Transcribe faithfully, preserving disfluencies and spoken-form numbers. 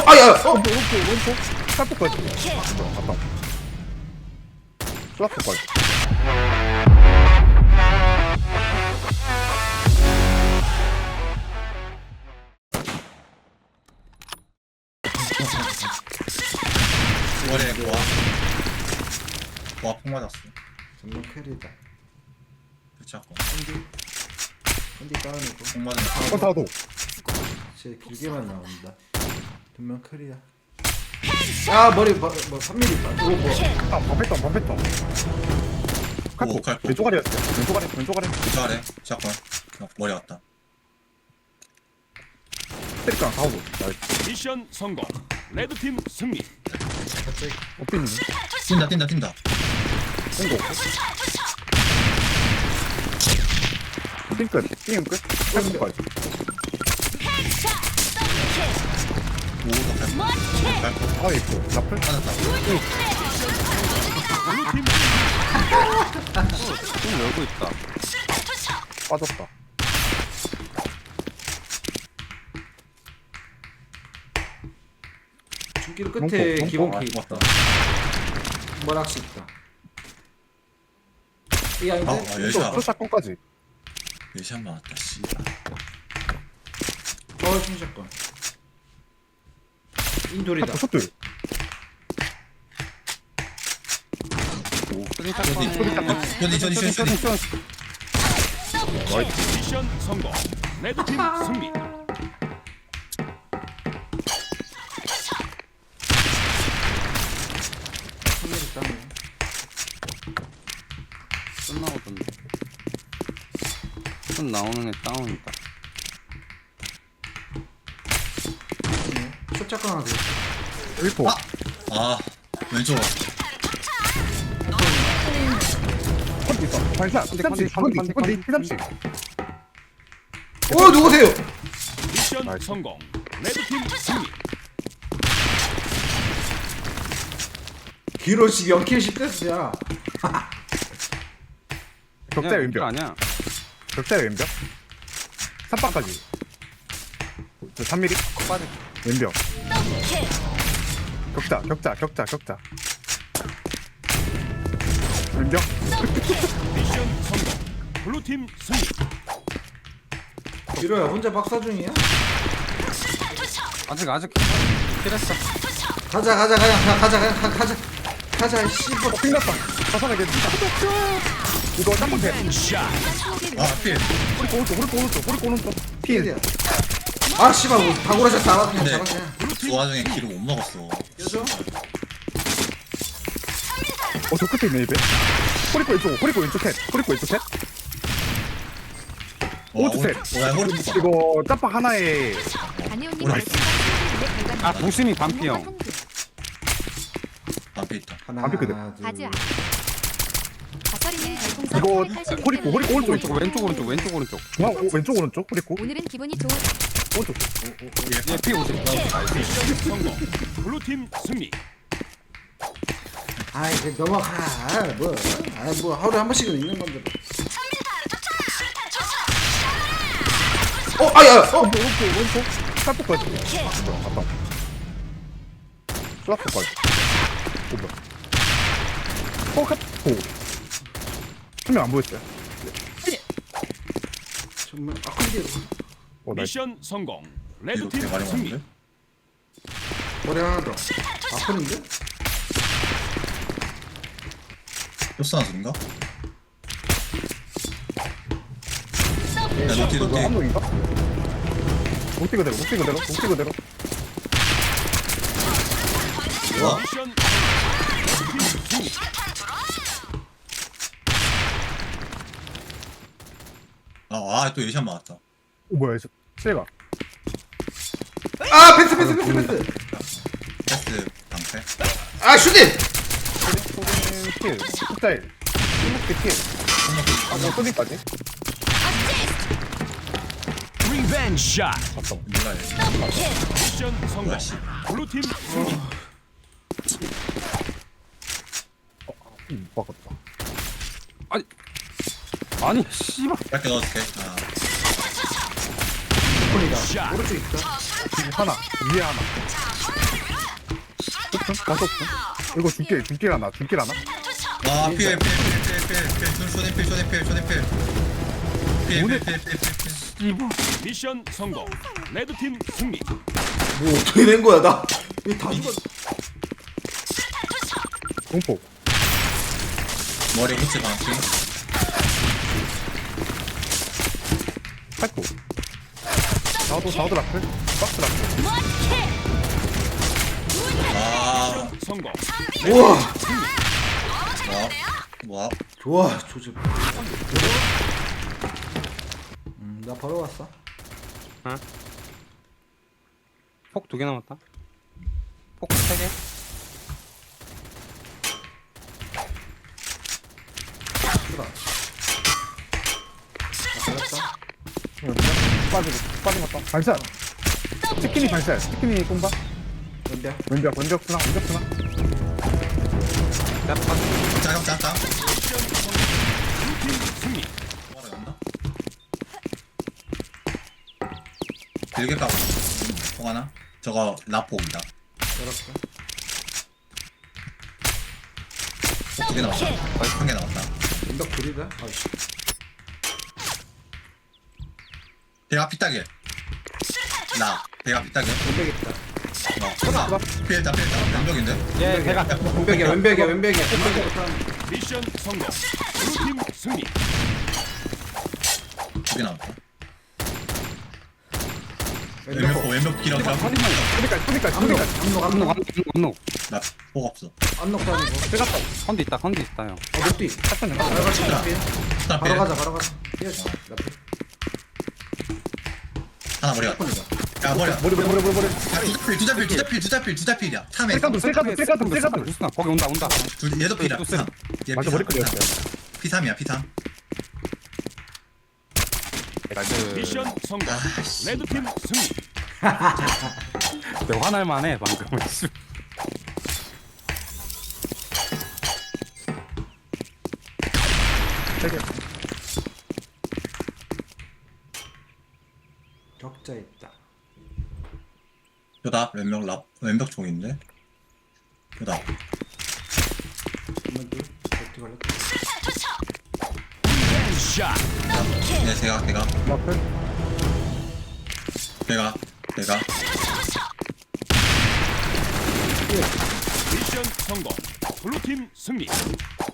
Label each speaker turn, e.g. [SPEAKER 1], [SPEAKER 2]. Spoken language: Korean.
[SPEAKER 1] 아야!
[SPEAKER 2] 어, 오른쪽, 오른쪽. 쌀폭까지. 갔다. 쌀폭까지.
[SPEAKER 3] 월에 고아 고아 폭 맞았어.
[SPEAKER 1] 정말 캐리다.
[SPEAKER 3] 그치않고
[SPEAKER 1] 핸디 핸디 다운이고
[SPEAKER 3] 폭 맞은
[SPEAKER 2] 어, 다도.
[SPEAKER 1] 제 길게만 나온다. 두명 캐리야. 아 머리 뭐, 뭐 삼 밀리미터. 이거 뭐
[SPEAKER 2] 아, 반패턴, 반패턴. 칼폭.
[SPEAKER 3] 칼폭.
[SPEAKER 2] 왼쪽 아래였어요. 왼쪽 아래, 왼쪽 아래.
[SPEAKER 3] 그 아래 시작권 머리 왔다.
[SPEAKER 2] 때리깡, 다도. 나이스.
[SPEAKER 4] 미션 성공. 레드팀 승리.
[SPEAKER 1] 갑자기
[SPEAKER 2] 엎드리네.
[SPEAKER 3] 뛴다 뛴다 뛴다.
[SPEAKER 2] 공고. 띵 끝. 띵은 끝. 칼폭까지.
[SPEAKER 3] 오더 갈고 갈고
[SPEAKER 2] 아, 있고. 라플?
[SPEAKER 3] 맞았다.
[SPEAKER 4] 블루팀
[SPEAKER 5] 좀 열고 있다.
[SPEAKER 2] 빠졌다.
[SPEAKER 1] 중길 끝에
[SPEAKER 2] 롱포,
[SPEAKER 1] 기본
[SPEAKER 3] 아,
[SPEAKER 1] 키 있다.
[SPEAKER 3] 맞다.
[SPEAKER 1] 머락시 있다. 이 아닌데?
[SPEAKER 3] 아, 아
[SPEAKER 2] 또,
[SPEAKER 3] 열샷
[SPEAKER 2] 또 사건까지.
[SPEAKER 3] 열샷 맞았다. 씨.
[SPEAKER 1] 어 충샷권. 인돌이다.
[SPEAKER 2] 칼폭 슛들.
[SPEAKER 5] 소리
[SPEAKER 3] 어디
[SPEAKER 5] 짝꿍.
[SPEAKER 3] 저디 저디 저디 저디.
[SPEAKER 4] 미션 성공. 레드팀 승리.
[SPEAKER 1] 삼 밀리 다운.
[SPEAKER 5] 끝나오던데. 손 나오는 애 다운이다.
[SPEAKER 1] 숏작권 하나 더.
[SPEAKER 2] 일포.
[SPEAKER 3] 아 왼쪽
[SPEAKER 2] 컨디 있어. 반샷.
[SPEAKER 5] 컨디,
[SPEAKER 2] 컨디,
[SPEAKER 5] 컨디,
[SPEAKER 2] 컨디,
[SPEAKER 5] 컨디,
[SPEAKER 2] 컨디,
[SPEAKER 5] 컨디.
[SPEAKER 2] 피삼십.
[SPEAKER 1] 어 누구세요?
[SPEAKER 4] 미션
[SPEAKER 2] 나이스.
[SPEAKER 4] 성공. 레드팀 승리.
[SPEAKER 1] 기로씩 영킬씩 됐어야.
[SPEAKER 2] 격자의 왼벽.
[SPEAKER 5] 아니야.
[SPEAKER 2] 격자의 왼벽. 삼박까지. 저 삼 밀리.
[SPEAKER 5] 빠져.
[SPEAKER 2] 왼벽. 격자, 격자, 격자, 격자. 왼벽.
[SPEAKER 4] 미션 성공. 블루팀 승리.
[SPEAKER 1] 기로야 혼자 박사 중이야?
[SPEAKER 5] 아직 아직 필했어.
[SPEAKER 1] 가자 가자 가자 가- 가자 가자 가- 가자 가자 씨발.
[SPEAKER 2] 어, 핑났다. 가사가 겠다 이거 짬뽕 돼.
[SPEAKER 4] 샷.
[SPEAKER 3] 아 필.
[SPEAKER 2] 호리꼬 오른쪽, 호리꼬 오른쪽, 호리꼬 오른쪽.
[SPEAKER 1] 필이야. 아 씨발 뭐 다구라샷 잡아 그냥
[SPEAKER 3] 근데
[SPEAKER 1] 잡아 그냥.
[SPEAKER 3] 그 와중에 기를 못 먹었어.
[SPEAKER 1] 여줘.
[SPEAKER 2] 어, 저 끝에 있네, 입에. 호리꼬 왼쪽, 호리꼬 왼쪽 셋. 호리꼬 왼쪽 셋. 오른쪽 셋.
[SPEAKER 3] 와 호리 못
[SPEAKER 2] 이거 짬뽕 하나에
[SPEAKER 6] 다니오님
[SPEAKER 3] 오늘
[SPEAKER 6] 말씀
[SPEAKER 5] 아 부심이 반피 형.
[SPEAKER 3] 앞에 있다.
[SPEAKER 1] 하나
[SPEAKER 2] 앞에 그대.
[SPEAKER 6] 가즈.
[SPEAKER 1] 둘.
[SPEAKER 6] 가설이는 별풍선
[SPEAKER 2] 이거
[SPEAKER 6] 팔팔팔
[SPEAKER 2] 호리꼬, 호리꼬 오른쪽,
[SPEAKER 5] 왼쪽 왼쪽 오른쪽 왼쪽 오른쪽.
[SPEAKER 2] 중앙, 오, 왼쪽 오른쪽, 호리꼬.
[SPEAKER 6] 오늘은 기분이 좋은
[SPEAKER 2] 오른쪽.
[SPEAKER 5] 얘피 오십.
[SPEAKER 4] 미션 성공. 블루팀 승리.
[SPEAKER 1] 아이 그 넘어가 뭐아뭐 하루에 한 번씩은 있는 건데. 어 아야 어
[SPEAKER 2] 오른쪽, 오른쪽. 칼폭까지. 뭐야, 갔다. 쏘라폭까지. 오, 뭐야. 어, 칼폭. 한명 안 보였어요.
[SPEAKER 1] 정말 아 근데
[SPEAKER 2] 어, 나이스.
[SPEAKER 4] 미션 성공.
[SPEAKER 3] 이렇게
[SPEAKER 4] 레드팀
[SPEAKER 3] 많이
[SPEAKER 4] 승리.
[SPEAKER 3] 먹는데?
[SPEAKER 1] 머리 하나 더. 아픈인데?
[SPEAKER 3] 쇼스 하나 소린가? 야 노티
[SPEAKER 2] 이거
[SPEAKER 3] 노티.
[SPEAKER 2] 한 명인가? 목티 그대로, 목티 그대로, 목티 그대로.
[SPEAKER 3] 와
[SPEAKER 4] 미션 레드팀 승리.
[SPEAKER 3] 아또 열샷 맞았다.
[SPEAKER 2] 오, 뭐야, 이거. 실가.
[SPEAKER 1] 아 패스 패스 패스 패스.
[SPEAKER 3] 패스 방패.
[SPEAKER 1] 아 슈팅.
[SPEAKER 2] 소진 킬. 숫자일. 일목대 킬. 아, 뭐, 소진까지?
[SPEAKER 4] 리벤지 샷.
[SPEAKER 2] 잠깐.
[SPEAKER 3] 몰라 얘.
[SPEAKER 4] 미션 성공.
[SPEAKER 3] 뭐야 씨.
[SPEAKER 4] 블루팀 승리.
[SPEAKER 2] 음, 못 박았다.
[SPEAKER 5] 아니 씨발.
[SPEAKER 3] 짧게 넣어줄게. 아
[SPEAKER 1] 오픈이다.
[SPEAKER 4] 샷.
[SPEAKER 1] 오른쪽 있다.
[SPEAKER 2] 지금 하나 위에 하나 오픈? 가서 오픈? 이거 중길 중길 하나 중길 하나
[SPEAKER 3] 와 필 필 필 필 필필 쇼네필 쇼네필 쇼네필 필필필필필
[SPEAKER 4] 미션 성공. 레드팀 승리.
[SPEAKER 1] 뭐 어떻게 된 거야 나? 이다 죽었.
[SPEAKER 2] 공포
[SPEAKER 3] 머리 후치 방치
[SPEAKER 2] 팔구 사우드 사우드 라플 박스 라플
[SPEAKER 3] 아
[SPEAKER 4] 성공.
[SPEAKER 1] 우와.
[SPEAKER 3] 와, 와,
[SPEAKER 1] 좋아 조집. 음나 바로 왔어.
[SPEAKER 5] 폭 두 개 남았다. 폭 세 개.
[SPEAKER 1] 들어. 잘했다.
[SPEAKER 2] 빠지고 빠진 것다 반샷 치킨이 반샷 치킨이 꼼바
[SPEAKER 1] 근데
[SPEAKER 2] 왼쪽 왼쪽 쓰나 왼쪽 쓰나
[SPEAKER 3] 짱, 짱, 짱.
[SPEAKER 4] 블루팀 승리.
[SPEAKER 3] 뭐라였나? 길게 까고. 통 하나? 저거 라포입니다.
[SPEAKER 1] 열었어.
[SPEAKER 3] 두 개 나왔다. 한 개 나왔다.
[SPEAKER 1] 인덕 둘이다. 아이씨.
[SPEAKER 3] 대가 피따게. 나 대가 피따게.
[SPEAKER 1] 왼벽 있다.
[SPEAKER 3] 어, 나 피했다 피했다. 왼벽인데?
[SPEAKER 5] 예, 배가.
[SPEAKER 1] 왼벽이야 왼벽이야 왼벽이야. 왼벽이야.
[SPEAKER 4] 미션 성공. 블루팀 승리.
[SPEAKER 3] 두 개 나왔다.
[SPEAKER 1] 왼벽.
[SPEAKER 3] 왼벽 왼벽 길어 길어.
[SPEAKER 5] 허리만.
[SPEAKER 2] 소리까지 소리까지
[SPEAKER 1] 압록
[SPEAKER 2] 소리까지
[SPEAKER 1] 압록
[SPEAKER 5] 안녹
[SPEAKER 1] 압록
[SPEAKER 5] 안녹.
[SPEAKER 3] 나복 없어.
[SPEAKER 1] 압록도 아니고.
[SPEAKER 2] 들어갔다
[SPEAKER 5] 컨디 있다 컨디 있다 형.
[SPEAKER 1] 어 녹디.
[SPEAKER 2] 탁선 연가
[SPEAKER 1] 바로 가자.
[SPEAKER 3] 자.
[SPEAKER 1] 앞에.
[SPEAKER 3] 스타
[SPEAKER 1] 바로
[SPEAKER 3] 필.
[SPEAKER 1] 가자 바로 가자. 뛰어줘. 앞에.
[SPEAKER 3] 하나 머리 갔다.
[SPEAKER 1] 오픈이다.
[SPEAKER 3] 야 머리.
[SPEAKER 2] 머리 머리 머리 머리 머리
[SPEAKER 3] 두자필 두자필 두자필 두자필 두자필이야. 탐에.
[SPEAKER 2] 셀카도 셀카도 셀카도 셀카도
[SPEAKER 5] 무슨 거기 온다 온다.
[SPEAKER 3] 둘 얘도 피라.
[SPEAKER 5] 또 쌤.
[SPEAKER 2] 맞아 머리카락이었어요
[SPEAKER 3] 피 삼이야 피 삼.
[SPEAKER 5] 나이스.
[SPEAKER 4] 미션 성공.
[SPEAKER 3] 아씨.
[SPEAKER 4] 레드팀 승리.
[SPEAKER 5] 내 화날 만해 방금.
[SPEAKER 2] 세개
[SPEAKER 1] 격자 있다.
[SPEAKER 3] 요다 왼벽 랍 왼벽 종인데. 요다.
[SPEAKER 1] 한번 더. 녹디 걸렸다.
[SPEAKER 4] 샷.
[SPEAKER 3] 네 제가 제가
[SPEAKER 2] 라플
[SPEAKER 3] 제가 제가.
[SPEAKER 4] 미션 성공. 블루팀 승리.